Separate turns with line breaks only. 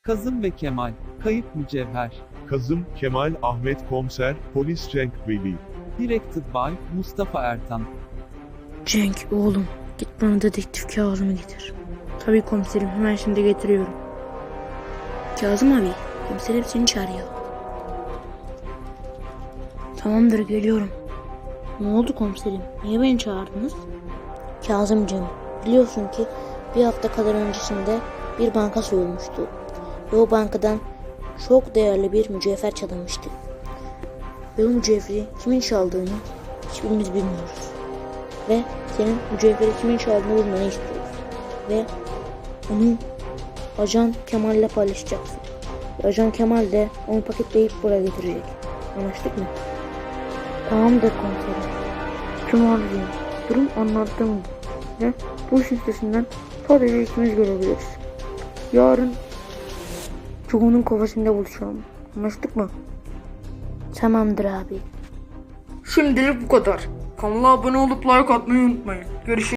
Kazım ve Kemal, kayıp mücevher.
Kazım, Kemal, Ahmet Komiser, Polis Cenk Veli.
Directed by Mustafa Ertan.
Cenk oğlum, git bana dedektif Kazım'ı getir. Tabii komiserim, hemen şimdi getiriyorum. Kazım abi, komiserim seni çağırıyor. Tamamdır, geliyorum. Ne oldu komiserim? Niye beni çağırdınız? Kazımcığım, biliyorsun ki bir hafta kadar öncesinde bir banka soyulmuştu. Ve o bankadan çok değerli bir mücevher çalınmıştı. Ve o mücevheri kimin çaldığını hiçbirimiz bilmiyoruz. Ve senin mücevheri kimin çaldığını bulmanı istiyoruz. Ve onu Ajan Kemal'le paylaşacaksın. Ve Ajan Kemal de onu paketleyip buraya getirecek. Anlaştık mı? Tamamdır komiserim. Tüm arayayım. Durum anlattığım gibi. Ve bu işin üstesinden sadece ikimiz görebiliriz. Yarın çoğunun kafasında buluşalım. Anlaştık mı? Tamamdır abi.
Şimdilik bu kadar. Kanala abone olup like atmayı unutmayın. Görüşürüz.